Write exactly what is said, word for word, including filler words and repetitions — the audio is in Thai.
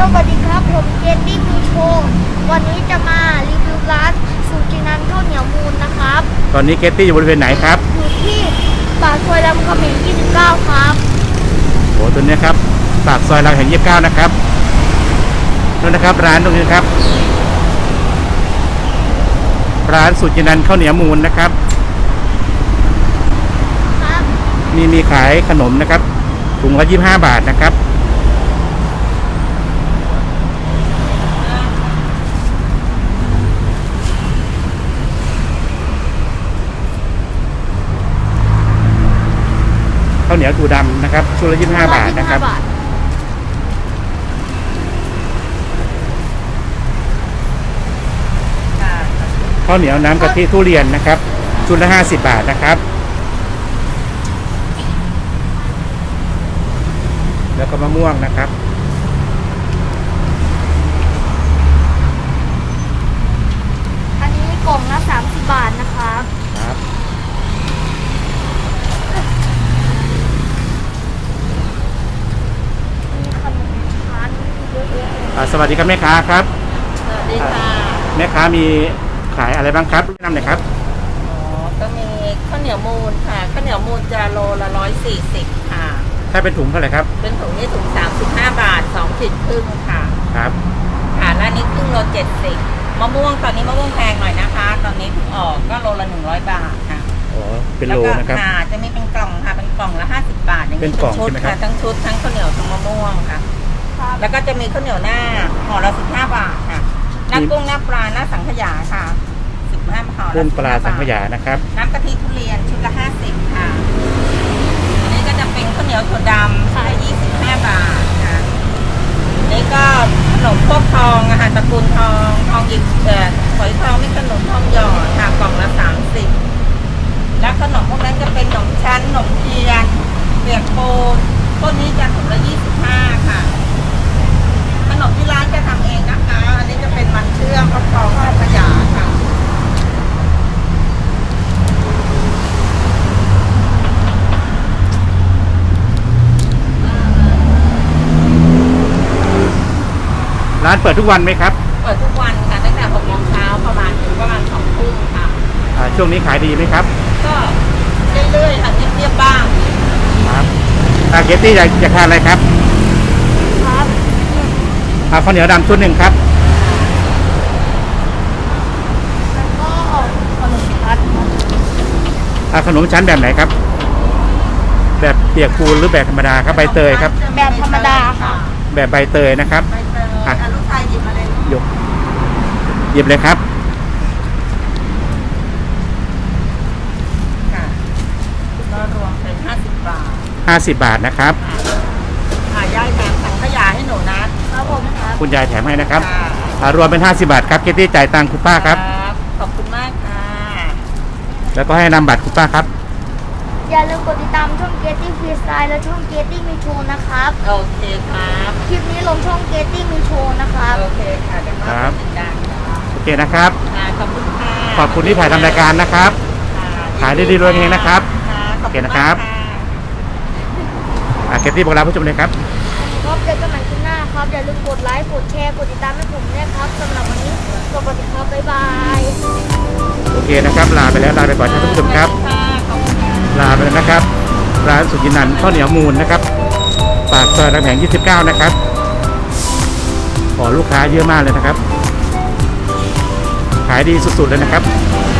วัสดีครับผมเกตตี้มีโชว์วันนี้จะมารีวิวร้านสูจินันข้าวเหนียวมูลนะครับตอนนี้เกตตี้อยู่บริเวณไหนครับอยู่ที่ปากซอยรามคำแหงยี่สิบเก้าครับโอ้ตัวนี้ครับปากซอยรามคำแหงยี่สิบเก้านะครับนู่นนะครับร้านตรงนี้ครับร้านสูจินันข้าวเหนียวมูลนะครับครับมีมีขายขนมนะครับถุงละยี่สิบห้าบาทนะครับข้าวเหนียวถั่วดำนะครับชุดละยี่สิบห้าบาทนะครับข้าวเหนียวน้ำกะทิทุเรียนนะครับชุดละห้าสิบบาทนะครับแล้วก็มะม่วงนะครับอันนี้กล่องละสามสิบบาทนะครับครับมีขนมชั้นเยอะแยะสวัสดีครับแม่ค้าครับสวัสดีค่ะแม่ค้ามีขายอะไรบ้างครับแนะนำหน่อยครับอ๋อก็มีข้าวเหนียวมูลค่ะข้าวเหนียวมูลจะโลละร้อยสี่สิบค่ะถ้าเป็นถุงเท่าไหร่ครับเป็นถุงนี่ถุงสามสิบห้าบาทสองขีดครึ่งค่ะครับค่ะแล้วนี้ครึ่งโลเจ็ดสิบมะม่วงตอนนี้มะม่วงแพงหน่อยนะคะ ตอนนี้เพิ่งออกก็โลละหนึ่งร้อยบาทค่ะอ๋อเป็นโลนะครับค่ะจะมีเป็นกล่องค่ะเป็นกล่องละห้าสิบบาทอย่างนี้เป็นกล่องชุดค่ะทั้งชุดทั้งข้าวเหนียวทั้งมะม่วงค่ะแล้วก็จะมีข้าวเหนียวหน้าห่อละสิบห้าบาทค่ะหน้ากุ้งหน้าปลาหน้าสังขยาค่ะสิบห้าห่อละกุ้งปลาสังขยานะครับน้ำกะทิทุเรียนชุดละห้าสิบค่ะอันนี้ก็จะเป็นข้าวเหนียวถั่วดำค่ะยี่สิบห้าบาทค่ะนี่ก็ขนมพวกทองอาหารตระกูลทองทองหยิบเอ่อฝอยทองนี่ขนมทองหยอดค่ะกล่องละสามสิบแล้วขนมพวกนั้นจะเป็นขนมชั้นขนมเทียนเปียกปูนพวกนี้จะถุงละยี่สิบห้าค่ะขนมที่ร้านจะทำเองนะคะอันนี้จะเป็นมันเชื่อมฟักทองสังขยาค่ะร้านเปิดทุกวันไหมครับเปิดทุกวันค่ะตั้งแต่หกโมงเช้าประมาณถึงประมาณสองทุ่มค่ะช่วงนี้ขายดีไหมครับก็เรื่อยๆค่ะเงียบๆบ้างครับอาเกตตี้อยากจะทานอะไรครับครับเอาข้าวเหนียวดำชุดหนึ่งครับแล้วก็ขนมชั้นเอาขนมชั้นแบบไหนครับแบบเปียกปูนหรือแบบธรรมดาครับใบเตยครับแบบธรรมดาค่ะแบบใบเตยนะครับอ่ะลูกชายหยิบมาเลยยกหยิบเลยครับค่ะก็รวมเป็นห้าสิบบาทห้าสิบบาทนะครับค่ะยายแถมถังขยะให้หนูนะครับผมครับคุณยายแถมให้นะครับรวมเป็นห้าสิบบาทครับเกตตี้จ่ายตังค์คุณป้าครับขอบคุณมากค่ะแล้วก็ให้นำบัตรคุณป้าครับอย่าลืมกดติดตามช่องเกตตี้ฟรีสไตล์และช่องเกตตี้มีโชว์นะครับโอเคครับคลิปนี้ลงช่องเกตตี้มีโชว์นะครับโอเคค่ะเดี๋ยวมาติดตามโอเคนะครับขอบคุณค่ะขอบคุณที่ถ่ายทำรายการนะครับขายดีๆรวยเฮงนะครับโอเคนะครับเกตตี้บอกลาผู้ชมเลยครับครับเจอกันใหม่คลิปหน้าครับอย่าลืมกดไลค์กดแชร์กดติดตามให้ผมด้วยครับสำหรับวันนี้สวัสดีครับบ๊ายบายโอเคนะครับลาไปแล้วลาไปก่อนท่านผู้ชมครับลาไปแล้วนะครับร้านสุจินันข้าวเหนียวมูลนะครับปากซอยรามคำแหงยี่สิบเก้านะครับขอลูกค้าเยอะมากเลยนะครับขายดีสุดๆเลยนะครับ